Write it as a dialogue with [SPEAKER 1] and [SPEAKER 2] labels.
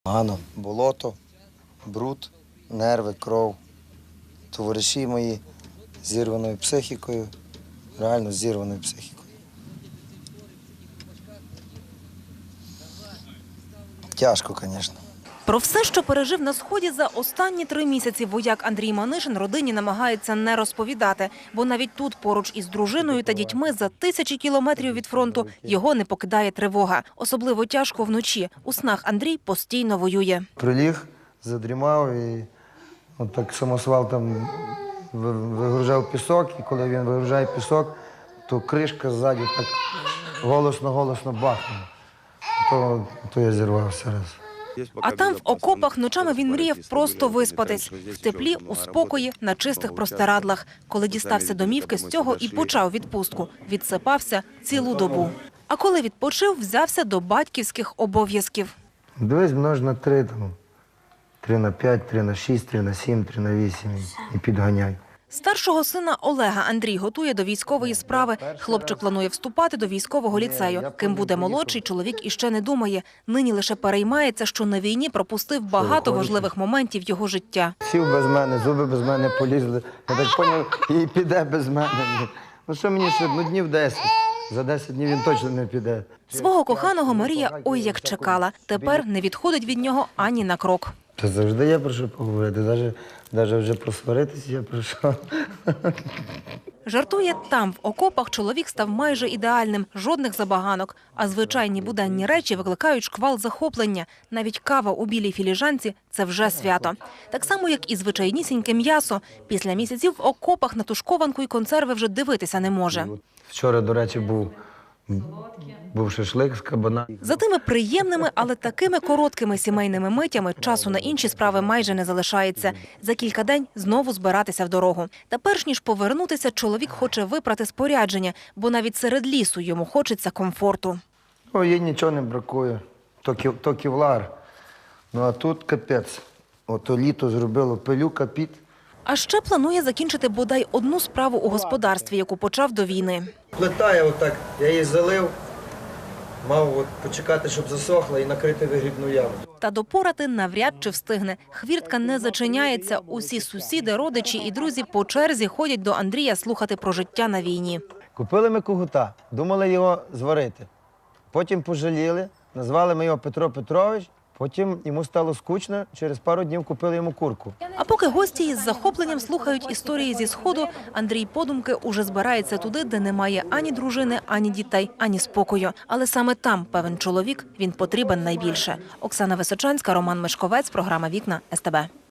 [SPEAKER 1] Погано. Болото, бруд, нерви, кров. Товариші мої з зірваною психікою, реально з зірваною психікою. Тяжко, звісно.
[SPEAKER 2] Про все, що пережив на Сході за останні 3 місяці, вояк Андрій Манишин родині намагається не розповідати. Бо навіть тут, поруч із дружиною та дітьми, за тисячі кілометрів від фронту, його не покидає тривога. Особливо тяжко вночі. У снах Андрій постійно воює.
[SPEAKER 1] Приліг, задрімав і так самосвал там вигружав пісок. І коли він вигружає пісок, то кришка ззаді так голосно бахнула. То я зірвався раз.
[SPEAKER 2] А там, в окопах, ночами він мріяв просто виспатись. В теплі, у спокої, на чистих простирадлах. Коли дістався домівки, з цього і почав відпустку. Відсипався цілу добу. А коли відпочив, взявся до батьківських обов'язків.
[SPEAKER 1] Дивись, множ на 3, 3 на 5, 3 на 6, 3 на 7, 3 на 8 і підганяй.
[SPEAKER 2] Старшого сина Олега Андрій готує до військової справи. Хлопчик планує вступати до військового ліцею. Ким буде молодший, чоловік іще не думає. Нині лише переймається, що на війні пропустив багато важливих моментів його життя.
[SPEAKER 1] Сів без мене, зуби без мене полізли. Я так зрозумів, і піде без мене. Ну що мені ще, днів 10. За 10 днів він точно не піде.
[SPEAKER 2] Свого коханого Марія ой як чекала. Тепер не відходить від нього ані на крок.
[SPEAKER 1] Та завжди є про що поговорити, навіть вже просваритися є про що.
[SPEAKER 2] Жартує, там, в окопах, чоловік став майже ідеальним, жодних забаганок. А звичайні буденні речі викликають шквал захоплення. Навіть кава у білій філіжанці – це вже свято. Так само, як і звичайнісіньке м'ясо. Після місяців в окопах на тушкованку і консерви вже дивитися не може.
[SPEAKER 1] Вчора, до речі, був шашлик з кабана.
[SPEAKER 2] За тими приємними, але такими короткими сімейними митями часу на інші справи майже не залишається. За кілька день знову збиратися в дорогу. Та перш ніж повернутися, чоловік хоче випрати спорядження, бо навіть серед лісу йому хочеться комфорту.
[SPEAKER 1] Їй нічого не бракує, то кевлар. Ну а тут капець. Ото літо зробило пилюка, піт.
[SPEAKER 2] А ще планує закінчити бодай одну справу у господарстві, яку почав до війни.
[SPEAKER 1] Плита я отак, я її залив, мав почекати, щоб засохла і накрити вигрібну яму.
[SPEAKER 2] Та допорати навряд чи встигне. Хвіртка не зачиняється. Усі сусіди, родичі і друзі по черзі ходять до Андрія слухати про життя на війні.
[SPEAKER 1] Купили ми кугута, думали його зварити. Потім пожаліли, назвали ми його Петро Петрович. Потім йому стало скучно, через пару днів купили йому курку.
[SPEAKER 2] А поки гості із захопленням слухають історії зі Сходу, Андрій подумки уже збирається туди, де немає ані дружини, ані дітей, ані спокою. Але саме там, певен чоловік, він потрібен найбільше. Оксана Височанська, Роман Мишковець, програма «Вікна» СТБ.